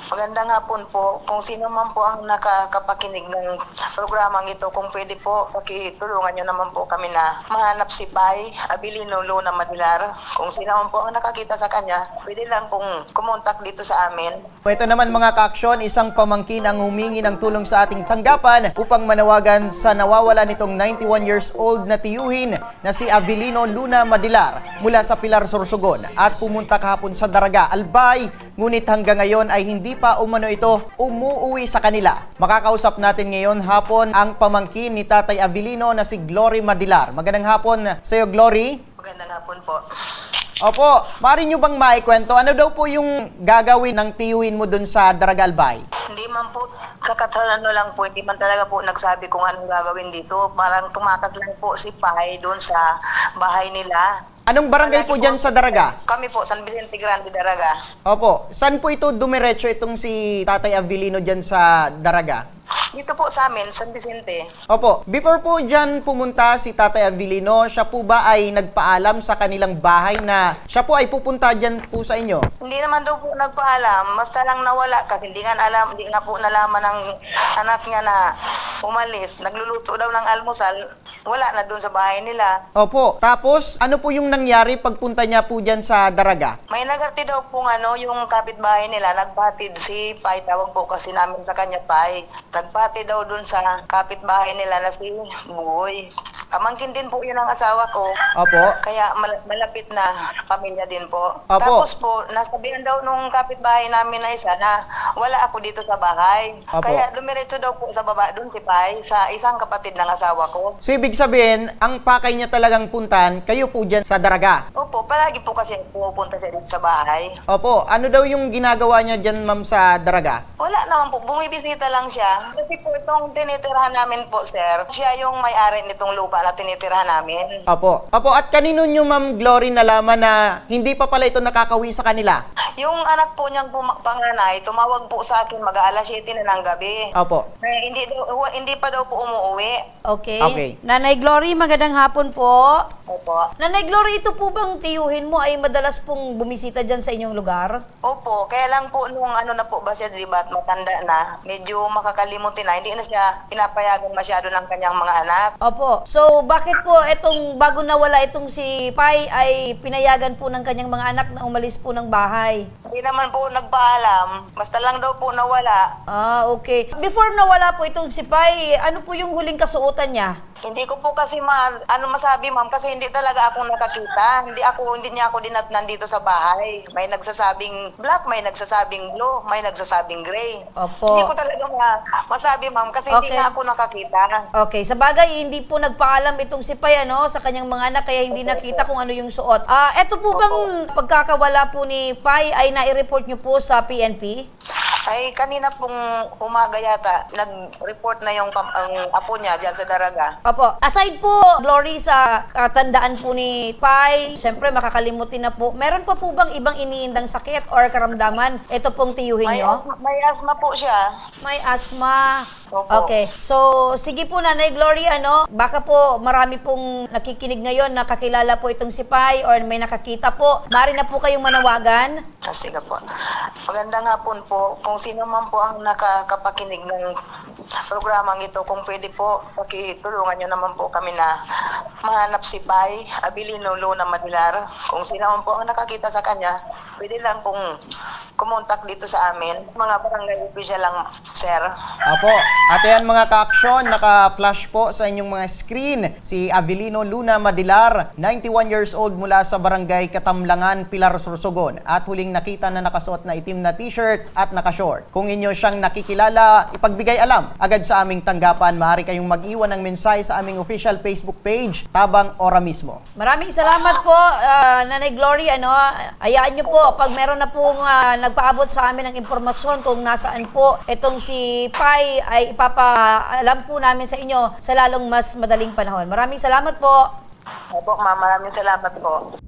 Magandang hapon po. Kung sino man po ang nakakapakinig ng programang ito, kung pwede po, pakitulungan nyo naman po kami na mahanap si Pai Abilino Luna Madilar. Kung sino man po ang nakakita sa kanya, pwede lang pong kumontak dito sa amin. Ito naman mga ka-aksyon, isang pamangkin ang humingi ng tulong sa ating tanggapan upang manawagan sa nawawala nitong 91 years old na tiyuhin na si Abilino Luna Madilar mula sa Pilar, Sorsogon at pumunta kahapon sa Daraga, Albay, ngunit hanggang ngayon ay hindi pa umano ito umuuwi sa kanila. Makakausap natin ngayon hapon ang pamangkin ni Tatay Abilino na si Glory Madilar. Magandang hapon sa iyo, Glory. Magandang hapon po. Opo, maaari nyo bang maikwento? Ano daw po yung gagawin ng tiyuhin mo dun sa Daraga, Albay? Hindi man po, sa katsalano lang po, hindi man talaga po nagsabi kung anong gagawin dito. Parang tumakas lang po si Pai doon sa bahay nila. Anong barangay po dyan sa Daraga? Kami po, San Vicente Grande, Daraga. Opo, saan po ito dumiretso itong si Tatay Abilino dyan sa Daraga? Dito po sa amin, San Vicente. Opo, before po dyan pumunta si Tatay Abilino, siya po ba ay nagpaalam sa kanilang bahay na siya po ay pupunta dyan po sa inyo? Hindi naman daw po nagpaalam, basta lang nawala kasi hindi nga po nalaman ng anak niya na umalis. Nagluluto daw ng almusal, wala na doon sa bahay nila. Opo, tapos ano po yung nangyari pagpunta niya po dyan sa Daraga? May nagati daw po yung kapitbahay nila, nagpatid si Pai, tawag po kasi namin sa kanya Pai. Nagpatid daw doon sa kapitbahay nila na si Bugoy. Pamangkin din po yun ang asawa ko. Opo. Kaya malapit na pamilya din po. Opo. Tapos po, nasabihan daw nung kapitbahay namin na isa na wala ako dito sa bahay. Opo. Kaya dumiretso daw po sa baba doon si Pai sa isang kapatid ng asawa ko. So ibig sabihin, ang pakay niya talagang puntan, kayo po dyan sa Daraga? Opo, palagi po kasi pupunta siya dito sa bahay. Opo, ano daw yung ginagawa niya dyan, ma'am, sa Daraga? Wala naman po, bumibisita lang siya. Kasi po itong tinitirahan namin po, sir, siya yung may-ari nitong lupa na tinitirahan namin. Opo. Opo, at kanino nyo, ma'am Glory, nalaman na hindi pa pala ito nakakawi sa kanila? Yung anak po niyang panganay, tumawag po sa akin mag-aalas 7 na ng gabi. Opo. Hindi pa daw po umuwi. Okay. Okay. Nanay Glory, magandang hapon po. Opo. Nanay Glory, ito po bang tiyuhin mo ay madalas pong bumisita dyan sa inyong lugar? Opo, kaya lang po nung ano na po ba siya, di ba, matanda na, medyo makakalimutin na, hindi na siya pinapayagan masyado ng kanyang mga anak. Opo. So, bakit po itong bago nawala itong si Pai ay pinayagan po ng kanyang mga anak na umalis po ng bahay? Hindi naman po nagpaalam, basta lang daw po nawala. Ah, okay. Before nawala po itong si Pai, ano po yung huling kasuotan niya? Hindi ko po kasi masabi, ma'am, kasi hindi talaga ako nakakita. Hindi niya ako dinatnan dito sa bahay. May nagsasabing black, may nagsasabing blue, may nagsasabing gray. Opo. Hindi ko talaga masabi, ma'am, kasi hindi Okay. nga ako nakakita. Okay, sa bagay, hindi po nagpaalam itong si Pai sa kanyang mga anak, kaya hindi nakita kung ano yung suot. Eto po bang pagkakawala po ni Pai ay nai-report niyo po sa PNP? Ay, kanina pong umaga yata, nag-report na ang apo niya dyan sa Daraga. Opo. Aside po, Glory, sa katandaan po ni Pai, syempre makakalimutin na po. Meron pa po bang ibang iniindang sakit or karamdaman? Ito pong tiyuhin niyo? May asthma po siya. May asthma. Opo. Okay. So, sige po, Nanay Glory, baka po marami pong nakikinig ngayon na kakilala po itong si Pai or may nakakita po. Maaari na po kayong manawagan. Sige po. Magandang hapon po. Kung sino man po ang nakakapakinig ng programang ito, kung pwede po, pakitulungan nyo naman po kami na mahanap si Pai Abilino Luna Madilar. Kung sino man po ang nakakita sa kanya, pwede lang pong kumontak dito sa amin. Mga barangay official lang, sir. Opo. At ayan mga ka-aksyon, naka-flash po sa inyong mga screen si Abilino Luna Madilar, 91 years old mula sa barangay Katamlangan, Pilar, Sorsogon. At huling nakita na nakasuot na itim na t-shirt at naka-short. Kung inyo siyang nakikilala, ipagbigay alam agad sa aming tanggapan. Maaari kayong mag-iwan ng mensahe sa aming official Facebook page, Tabang Ora mismo. Maraming salamat po, Nanay Glory. Hayaan niyo po, pag meron na pong nagpaabot sa amin ng impormasyon kung nasaan po itong si Pai, ay ipapaalam po namin sa inyo sa lalong mas madaling panahon. Maraming salamat po. Opo, ma'am, maraming salamat po.